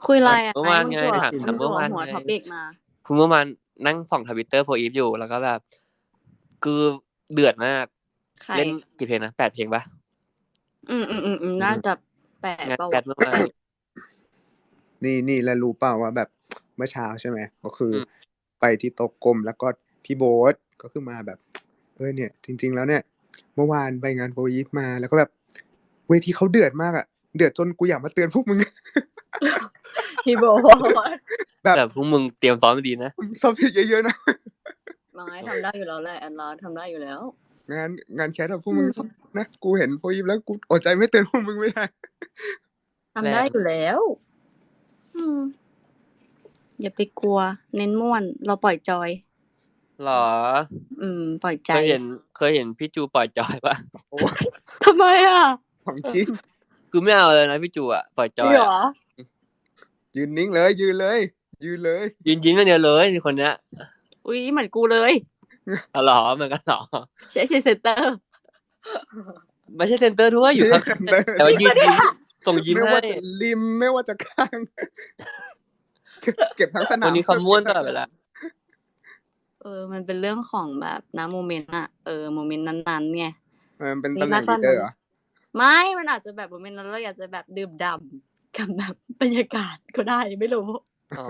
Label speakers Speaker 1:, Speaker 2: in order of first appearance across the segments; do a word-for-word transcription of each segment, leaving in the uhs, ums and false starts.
Speaker 1: คุยอะไรอ่ะ
Speaker 2: เมื่อวานไงถาม
Speaker 1: มึงจั่
Speaker 2: เมื่อวาน
Speaker 1: หัว
Speaker 2: ไง
Speaker 1: ท็อปิกมา
Speaker 2: คือเมื่อวานนั่งส่องทวิตเตอร์โฟอีฟอยู่แล้วก็แบบคือเดือดมากเล่นกี่เพลงนะแปดเพลงปะ
Speaker 1: อืมอืมอืมอืมน่าจะแปด
Speaker 2: งาน
Speaker 1: เปล่า
Speaker 2: แปดเมื่อวาน
Speaker 3: นี่นี่แล้วรู้เปล่าว่าแบบเมื่อเช้าใช่ไหมก็คืออ
Speaker 2: ม
Speaker 3: ไปที่โต๊ะกลมแล้วก็พี่โบ๊ทก็คือมาแบบเออเนี่ย จริง ๆ แล้วเนี่ย เมื่อวานไปงานโฟอีฟมาแล้วก็แบบเวทีเขาเดือดมากอ่ะเดือดจนกูอยากมาเตือนพวกมึง
Speaker 1: พี่โบ๊ท
Speaker 3: แบบ
Speaker 2: แต่พวกมึงเตรียมซ้อมมาดีนะ
Speaker 3: ซ้อมเยอะๆนะ
Speaker 1: น้อยทำได้อยู่แล้วแหละแอนลาทำได้อยู่แล้ว
Speaker 3: งานงานแคสแบบพวกมึงซ้อมนะกูเห็นโฟอีฟแล้วกูอดใจไม่เตือนพวกมึงไม่ได้
Speaker 1: ทำได้อยู่แล้ว อืมอย่าไปกลัว เน้นม่วน เราปล่อยจอย
Speaker 2: หรอ
Speaker 1: อืม ปล่อยใจ
Speaker 2: เคยเห็นเคยเห็นพี่จูปล่อยจอยปะ
Speaker 3: โอ้
Speaker 1: ทำไมอ่ะ
Speaker 3: ของจริง
Speaker 2: คือไม่เอาเลยนะพี่จูอ่ะปล่อยจ
Speaker 1: จริ
Speaker 2: อง ย
Speaker 1: เหร
Speaker 2: อ่ะ
Speaker 1: อ
Speaker 3: ยืนนิ่งเลยยืนเลยยืนเลย
Speaker 2: ยืนยิ้มอย่างเดียวเลยคนเนี้ย
Speaker 1: อุ้ยเหมือนกูเลย
Speaker 2: อ๋อเหรอเหมือนกันเหรอ
Speaker 1: ใช้เซนเตอร์
Speaker 2: ไม่ใช่เซนเตอร์ด้วยอยู่ข้าง
Speaker 3: ไม่ใช่เซนเตอร์
Speaker 2: แต่ว่ายืนยิ้มส่งยิ้ม
Speaker 3: ไม่
Speaker 2: ให้
Speaker 3: ว่าจะริมไม่ว่าจะข้าง เก็บทั้งสนาม
Speaker 2: วันนี้เขาม้วนตลอดเวลา
Speaker 1: เออ มันเป็นเรื่องของแบบนะโมเมนต์อะเออโมเมนต์นั้นๆไง
Speaker 3: มันเป็นตำแหน่งลีดเดอร์เหรอ
Speaker 1: ไม่ มันอาจจะแบบโมเมนต์นั้นเราอยากจะแบบดื่มด่ำกับแบบบรรยากาศก็ได้ไม่รู้
Speaker 2: อ๋อ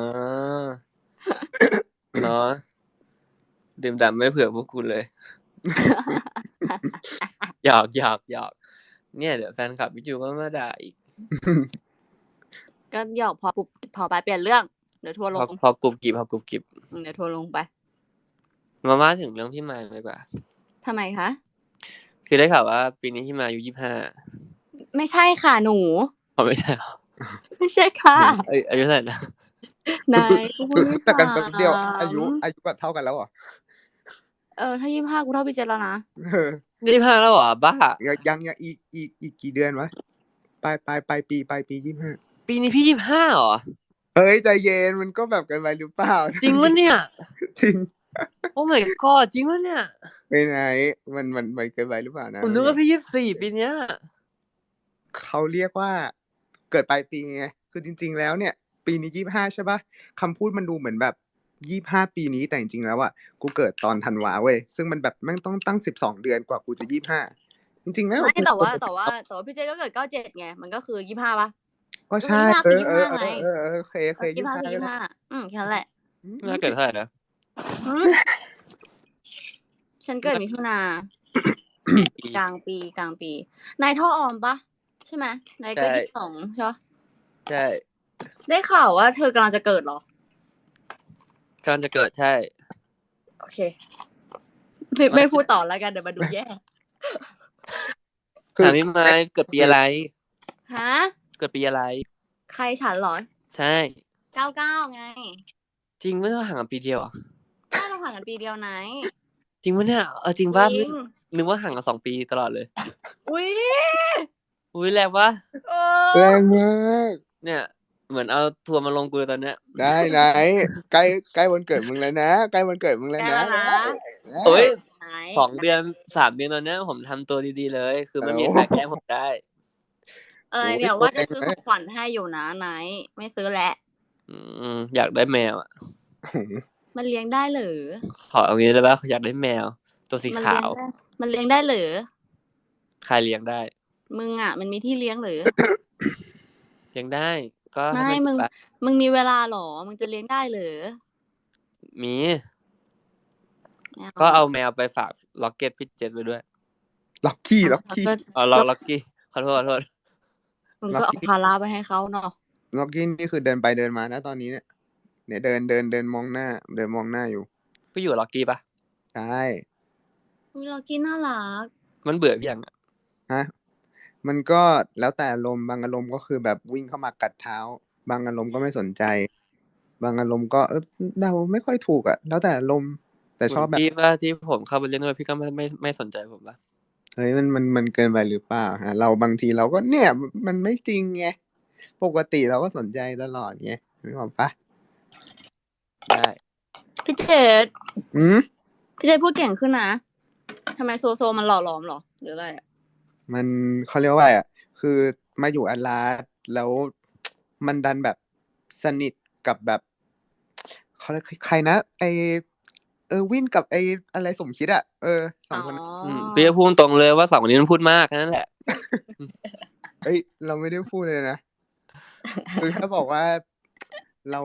Speaker 2: เนาะดื่มด่ำไม่เผื่อพวกคุณเลย หยอกหยอกหยอกเนี่ยเดี๋ยวแฟนคลับพี่จูก็มาด่าอีก
Speaker 1: ก็หยอกพอกูพอไปเปลี่ยนเรื่องเดี๋ยวทัวร์ล
Speaker 2: พอง พอกรุบกริบพอกรุบกริบ
Speaker 1: อืมเดี๋ยวทัวร์ลงไป
Speaker 2: มาว่าถึงเรื่องพี่มายดีกว่า
Speaker 1: ทำไมคะ
Speaker 2: คือได้ข่าวว่าปีนี้พี่มายอายุยี่สิบห้า
Speaker 1: ไม่ใช่ค่ะหนู
Speaker 2: อ๋อไม่ใช่เหรอ
Speaker 1: ไม่ใช่ค่ะ
Speaker 2: เอ้ยอายุเท่าไหร่นะ
Speaker 1: นายกูพูดไม่
Speaker 3: แต่กัน
Speaker 1: ถา
Speaker 3: แป๊บเดียว
Speaker 1: ม
Speaker 3: อายุอายุแบบเท่ากันแล้วเหรอ
Speaker 1: เออถ้ายี่สิบห้ากูเท่าพี่เจนแล้วนะ
Speaker 3: เออ
Speaker 2: ยี่สิบห้าแล้วเหรอบ้า
Speaker 3: ยังยังยังอีกอีกอีกกี่เดือนวะปลายปลายปลายปีปลายปียี่สิบห้า
Speaker 2: ปีนี้พี่ยี่สิบห้าเหรอ
Speaker 3: เฮ้ยใจเย็นมันก็แบบเกินไปหรือเปล่า
Speaker 2: จริงวะเนี่ย
Speaker 3: จริง
Speaker 2: โอ้ my god จริงวะเนี่ย
Speaker 3: ไปไหนมันมันมันเกินไปหรือเปล่านะ
Speaker 2: ผมนึกว่าพี่ยี่สิบสี่ปีเนี้ย
Speaker 3: เขาเรียกว่าเกิดปลายปีไงคือจริง ๆ แล้วเนี่ย ปีนี้ยี่สิบห้าใช่ปะคำพูดมันดูเหมือนแบบยี่สิบห้าปีนี้แต่จริงๆแล้วอ่ะกูเกิดตอนธันวาเว้ยซึ่งมันแบบแม่งต้องตั้งสิบสองเดือนกว่ากูจะยี่สิบห้าจริงๆแล้ว
Speaker 1: ไม่แต่ว่าแต่ว่าแต่ว่าพี่เจนก็เกิดเก้าเจ็ดไงมันก็คือยี่สิบห้าป่ะ
Speaker 3: ก็ใช่
Speaker 1: ก็
Speaker 3: เอ
Speaker 1: ยี่
Speaker 3: อ
Speaker 1: สิบ
Speaker 3: เอ
Speaker 1: ห้า
Speaker 3: อ
Speaker 1: ไง
Speaker 3: เออเออโอเคโอเค
Speaker 1: ยี่สิบห้าคือยี่สิบห้าอืมแค่นั้นแหละ
Speaker 2: น่าเกิดเท่าไหร่นะ
Speaker 1: อืมฉันเกิดมิถุนากลางปีกลางปีนายท่อออมปะใช่ไหมนายก็ยี่สิบสองใช่ปะ
Speaker 2: ใช่
Speaker 1: ได้ข่าวว่าเธอกำลังจะเกิดเหรอก
Speaker 2: ำลังจะเกิดใช่
Speaker 1: โอเคไม่ไม่พูดต่อแล้วกันเดี๋ยวมาดูแย่
Speaker 2: ถามพี่มายเกิดปีอะไร
Speaker 1: ฮะ
Speaker 2: เกิดปีอะไร
Speaker 1: ใครฉันเหรอ
Speaker 2: ใช่
Speaker 1: เก้าเก้าไง
Speaker 2: จริงไม่ต้องห่างกันปีเดียวอ่ะ
Speaker 1: ใช่เราห่างกันปีเดียวไหน
Speaker 2: จริงปะเนี่ยเออจริงป่ะ
Speaker 1: จริง
Speaker 2: นึกว่าห่างกันสองปีตลอดเลย
Speaker 1: อุ้ย
Speaker 2: อุ้ยแรงปะ
Speaker 1: เอ
Speaker 3: แร
Speaker 1: อง
Speaker 3: มาก
Speaker 2: เนี่ยเหมือนเอาทัวร์มาลงกูเลยตอนเนี้ย
Speaker 3: ได้ไหนใกล้ใกล้วันเกิดมึงแล้วนะใกล้วันเกิดมึงแล้ว
Speaker 1: แก
Speaker 3: นะ
Speaker 1: แล้วนะ
Speaker 2: โอ้ย
Speaker 1: ไหน
Speaker 2: สองเดือนสามเดือนตอนเนี้ยผมทำตัวดีๆเลย คือไม่มี
Speaker 3: โอ้
Speaker 2: ใครแกล้งผมได้
Speaker 1: เออเดี๋ยวว่าจะซื้อของขวัญให้อยู่นะไหนไม่ซื้อแหละ
Speaker 2: อืมอยากได้แมวอ่ะ
Speaker 1: มันเลี้ยงได้หรือ
Speaker 2: ขอเอางี้ได้ปะอยากได้แมว ตัวสี
Speaker 1: มัน
Speaker 2: ขา
Speaker 1: เลี้ยง
Speaker 2: ว
Speaker 1: ได้มันเลี้ยงได้หรือ
Speaker 2: ใครเลี้ยงได้
Speaker 1: มึงอ่ะ มันมีที่เลี้ยงหรือ
Speaker 2: เลี้ยงได้ ก็
Speaker 1: ไม่
Speaker 2: ให้
Speaker 1: มึง
Speaker 2: ปะ
Speaker 1: มึงมีเวลาหรอ มึงจะเลี้ยงได้หรือ
Speaker 2: มี
Speaker 1: ไม่
Speaker 2: ก็เอาแมวไปฝากล็อกเก็ตพี่เจษไปด้วย
Speaker 3: ล็อกกี้ล็อกกี้
Speaker 2: อ๋อล็อกล็อกกี้ขอโทษขอโทษ
Speaker 1: มึงก็เอาภาระไปให้เขาเนาะ
Speaker 3: ล็อกกี้นี่คือเดินไปเดินมานะตอนนี้เนี่ยเนี่ยเดินเดินเดินมองหน้า เดินมองหน้าอยู่
Speaker 2: พี่อยู่กับล็อกกี้ปะ
Speaker 3: ใช่
Speaker 1: อุ๊ยเรากินน่ารัก
Speaker 2: มันเบื่อพี่ยังอะ
Speaker 3: ฮะมันก็แล้วแต่อารมณ์บางอารมณ์ก็คือแบบวิ่งเข้ามากัดเท้า บางอารมณ์ก็ไม่สนใจ บางอารมณ์ก็เออเดาไม่ค่อยถูกอ่ะ แล้วแต่อารมณ์แต่ชอบแบบ
Speaker 2: พี่ว่าที่ผมเข้าไปเล่นด้วยพี่ก็ไม่ไม่ไม่สนใจผมปะ
Speaker 3: เฮ้ยมันมันมันเกินไปหรือเปล่าฮะเราบางทีเราก็เนี่ยมันไม่จริงไงปกติเราก็สนใจตลอดไงนึกออกปะ
Speaker 2: ได้
Speaker 1: พี่เจษ
Speaker 3: อืม
Speaker 1: พี่เจษพูดเก่งขึ้นนะทำไมโซโซมันหล่อหลอมหรอหรืออะไรอะ
Speaker 3: มันเขาเรียกว่าอะไรอ่ะคือมาอยู่อัลลาสแล้วมันดันแบบสนิทกับแบบเขาเรียกใครนะไอเออวินกับไออะไรสมคิดอะเออสองคนนั้น
Speaker 2: อืมพี่จะพูดตรงเลยว่าสองคนนี้มันพูดมากนั่นแหละ
Speaker 3: เอ้ยเราไม่ได้พูดเลยนะ คือแค่บอกว่าเรา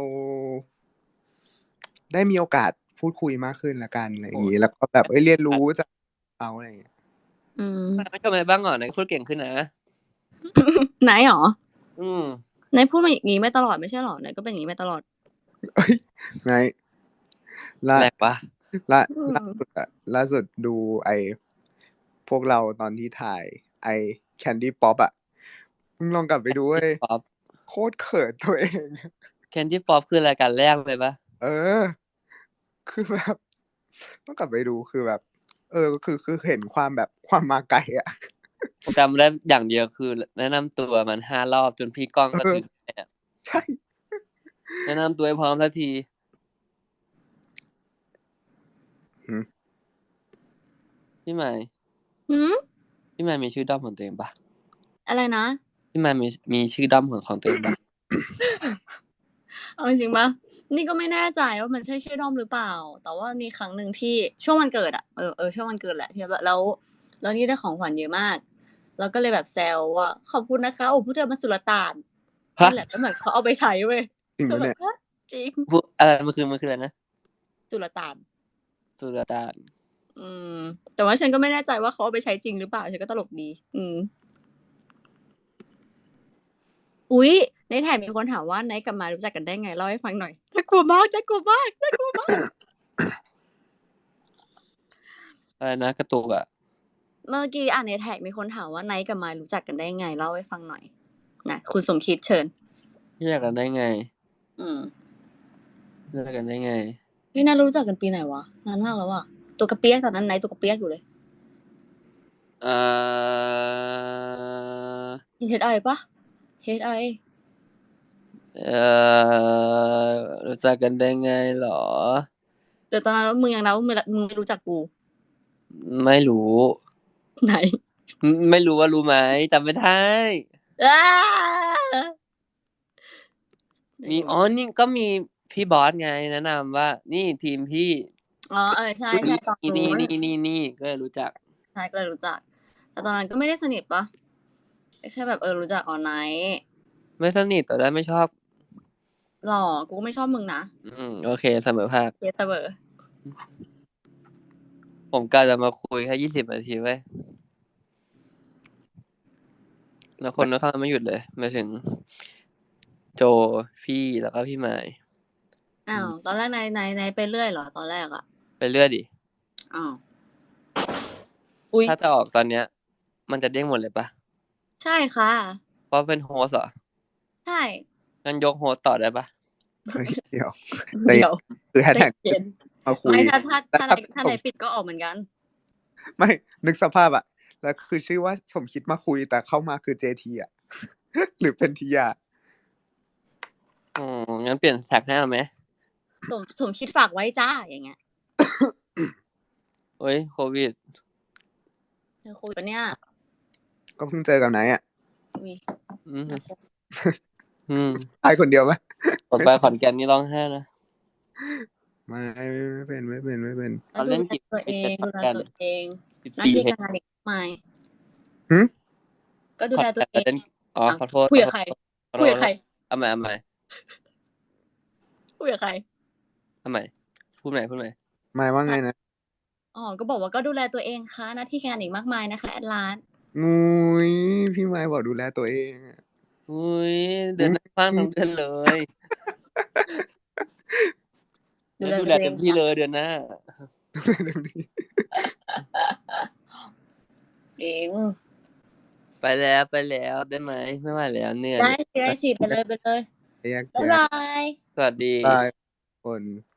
Speaker 3: ได้มีโอกาสพูดคุยมากขึ้นละกันอะไรอย่างนี้แล้วก็แบบเอ้ยเรียนรู้จากเขาอะไรอย่างเงี้ย
Speaker 1: อืม
Speaker 2: ไม่ชมอะไรบ้างเหรอไหนพูดเก่งขึ้นนะ
Speaker 1: ไหนหรอ
Speaker 2: อืม
Speaker 1: ไหนพูดมาอย่างนี้ไม่ตลอดไม่ใช่หรอไหนก็เป็นอย่างนี้ไม่ตลอด
Speaker 3: เอ้ยไงล่า
Speaker 2: แรกปะ
Speaker 3: ล่า
Speaker 1: อืม
Speaker 3: ล่าสุดอะล่าสุดดูไอพวกเราตอนที่ถ่ายไอแคนดี้ป๊อปอะมึงลองกลับไปดูเว้ย
Speaker 2: ป๊อป
Speaker 3: โคตรเขินตัวเอง
Speaker 2: แคนดี้ป๊อปคือรายการแรกเลยปะ
Speaker 3: เออ คือแบบต้องกลับไปดูคือแบบ เออคือคือเห็นความแบบความมาไกลอะ
Speaker 2: ผมจำได้อย่างเดียวคือแนะนำตัวมันห้ารอบจนพี่ก้องก็
Speaker 3: เออ
Speaker 2: ถึงแ
Speaker 3: ใช่
Speaker 2: แนะนำตัวให้พร้อมสักที
Speaker 3: หืม
Speaker 2: พี่ใหม่
Speaker 1: หืม
Speaker 2: พี่ใหม่มีชื่อด้อมของตัวเองปะ
Speaker 1: อะไรนะ
Speaker 2: พี่ใหม่มีมีชื่อด้อมของของตัวเองปะ
Speaker 1: เอาจริงๆปะนี่ก็ไม่แน่ใจว่ามันใช่ชื่อด้อมหรือเปล่า แต่ว่ามีครั้งหนึ่งที่ช่วงวันเกิดอะเออเออช่วงวันเกิดแหละที่แบบแล้วแล้วนี่ได้ของขวัญเยอะมาก แล้วก็เลยแบบแซวว่าขอบคุณนะคะโอ้พูดเธอมาสุลต่าน
Speaker 2: ฮะ
Speaker 1: นั่นแหละแล้วเหมือนเขาเอาไปใช้เว้ย
Speaker 3: จริง
Speaker 1: ก็
Speaker 3: ปะ
Speaker 1: แบ
Speaker 3: เนี่
Speaker 1: บ
Speaker 3: ย
Speaker 1: ฮะจริง
Speaker 2: พูดอะไรมันคือมันคืออะไรนะ
Speaker 1: สุลต่าน
Speaker 2: สุลต่าน
Speaker 1: อืม แต่ว่าฉันก็ไม่แน่ใจว่าเขาเอาไปใช้จริงหรือเปล่าฉันก็ตลกดี อืม อุ๊ยในแถบมีคนถามว่าไนท์กับมายรู้จักกันได้ไงเล่าให้ฟังหน่อยน่ากลัวมากน่ากลัวมากน่ากลัวมาก
Speaker 2: อะไรนะกระตุกอะ
Speaker 1: เมื่อกี้อ่านในแท็กมีคนถามว่าไนท์กับมายรู้จักกันได้ไงเล่าให้ฟังหน่อยนะคุณสมคิดเชิญ
Speaker 2: แยกกันได้ไง
Speaker 1: อืม
Speaker 2: แยกกันได้ไง
Speaker 1: พี่น่ารู้จักกันปีไหนวะนานมากแล้วอะตัวกระเปียกตอนนั้นไนท์ตัวกระเปียกอยู่เลย
Speaker 2: เอ่อ
Speaker 1: เฮดไอปะเฮดไอ
Speaker 2: เอ่อรู้จักกันได้ไงเหรอ
Speaker 1: เดี๋ยวตอนนั้นมึงยังนับว่ามึงมึงไม่รู้จักกู
Speaker 2: ไม่รู้
Speaker 1: ไหน
Speaker 2: ไม่รู้ว่ารู้ไหมจำไม่ได้
Speaker 1: อ้า
Speaker 2: มีอ๋อนี่ก็มีพี่บอสไงแนะนำว่า นี่ทีมพี่
Speaker 1: อ๋อเออใช่ใช่ตอน
Speaker 2: นี่
Speaker 1: นู้
Speaker 2: นี่
Speaker 1: น
Speaker 2: นี่นี่นี่ก็เลยรู้จัก
Speaker 1: ใช่ก็เลยรู้จัก แต่ตอนนั้นก็ไม่ได้สนิทปะแค่แบบเออรู้จักออนไนท์
Speaker 2: ไม่สนิทแต่ได้ไม่ชอบ
Speaker 1: หรอกูก็ไม่ชอบมึงนะ
Speaker 2: อืมโอเคเสมอภาค
Speaker 1: เคสเบอร์
Speaker 2: ผมกะจะมาคุยแค่ยี่สิบนาทีไว้ยแล้วคนก็เข้ามาไม่หยุดเลยมาถึง โจพี่แล้วก็พี่ไม้
Speaker 1: อ้าวตอนแรกนายนายนายไปเรื่อยเหรอตอนแรกอะ
Speaker 2: ไปเรื่อยดิ
Speaker 1: อ้าวอุ๊ย
Speaker 2: ถ้าจะออกตอนเนี้ย มันจะเด้งหมดเลยปะ
Speaker 1: ใช่ค่ะ
Speaker 2: เพราะเป็นโฮสต์เหรอ
Speaker 1: ใช่
Speaker 2: งั้นยกโฮสต์ต่อได้ปะ
Speaker 3: เฮ้ยเดี๋ยว
Speaker 1: เดี๋ยว
Speaker 3: คือแฮช
Speaker 1: ใจ
Speaker 3: แท็ก
Speaker 1: เย็น
Speaker 3: มาคุย
Speaker 1: ไม่ถ้าถ้าถ้า
Speaker 3: แล้ว
Speaker 1: นายถ้านายปิดก็ออกเหมือนกัน
Speaker 3: ไม่นึกสภาพอะแล้วคือชื่อว่าสมคิดมาคุยแต่เข้ามาคือเจทีอะ หรือเป็นทียา
Speaker 2: อ๋องั้นเปลี่ยนแท็กให้เอาไหม
Speaker 1: สมสมคิดฝากไว้จ้าอย่างเงี้ย
Speaker 2: โอ้ยโควิด
Speaker 1: เธอคุยปะเนี่ย
Speaker 3: ก็เพิ่งเจอกับไหนอะ
Speaker 1: อุ้ย
Speaker 2: อืม
Speaker 1: น่ากลัว
Speaker 2: อืม
Speaker 3: ตายคนเดียวไหม
Speaker 2: ผมไปขอนแก่นนี่ร้องไห้นะ
Speaker 3: ไม่ไม่เป็นไม่เป็นไม่เป็น
Speaker 2: ตอนเล่น
Speaker 1: ดู
Speaker 2: กิจ
Speaker 1: แลตัวเองดูแลตัวเอง
Speaker 2: สิบ
Speaker 1: หน้า
Speaker 2: สี่
Speaker 1: ที่
Speaker 2: เพลง
Speaker 1: การงานอีกมากมาย
Speaker 3: หึ
Speaker 1: ก็ดูแลตัวเอง
Speaker 2: เล่นอ๋อขอโทษ
Speaker 1: คุยกับใคร
Speaker 2: ขอโทษ
Speaker 1: คุยกับใคร
Speaker 2: เอาใหม่เอาใหม่
Speaker 1: คุยกับใคร
Speaker 2: เอาใหม่พูดใหม่พูดใหม่
Speaker 3: หมายว่าไงนะ
Speaker 1: อ๋อ ก็บอกว่าก็ดูแลตัวเองค่ะหน้าที่การงานอีกมากมายนะคะแอดลาน
Speaker 3: งุยพี่ไม้บอกดูแลตัวเองอะ
Speaker 2: อุ้ยเดือนหน้าฟังทั้งเดือนเลย
Speaker 1: ดู
Speaker 2: แล้ว
Speaker 1: แล
Speaker 2: ดู
Speaker 1: ตัว
Speaker 2: แล
Speaker 1: เอ
Speaker 2: เต็
Speaker 1: ง
Speaker 2: มที่เลยเดือนหน้า
Speaker 3: เดี๋ยวนี้
Speaker 1: เอง
Speaker 2: ไปแล้วไปแล้วได้ไหมไม่ไหวแล้วเหนื่อย
Speaker 1: ได้สิได้สิไปเลยไปเลย
Speaker 3: แยก
Speaker 1: บ๊าย
Speaker 3: แยะ
Speaker 1: บาย
Speaker 2: สวัสดี
Speaker 3: บายคน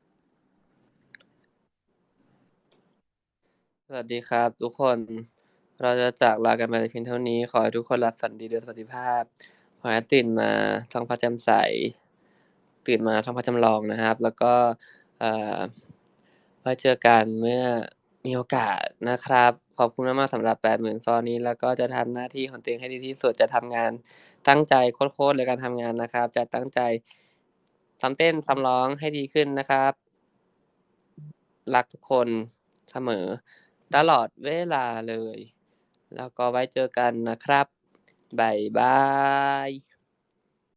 Speaker 2: สวัสดีครับ ทุกคนเราจะจากลากันไปเพียงเท่านี้ ขอให้ทุกคนหลับฝันดีโดยสวัสดิภาพ ขอให้ตื่นมาท้องฟ้าแจ่มใส ตื่นมาท้องฟ้าจำลองนะครับ แล้วก็เอ่อไว้เจอกันเมื่อมีโอกาสนะครับ ขอบคุณมากๆสำหรับ แปดหมื่น ฟอลนี้ แล้วก็จะทำหน้าที่ของตัวเองให้ดีที่สุด จะทำงานตั้งใจโคตรๆเลยการทำงานนะครับ จะตั้งใจซ้อมเต้นซ้อมร้องให้ดีขึ้นนะครับ รักทุกคนเสมอตลอดเวลาเลย แล้วก็ไว้เจอกันนะครับ บ๊ายบาย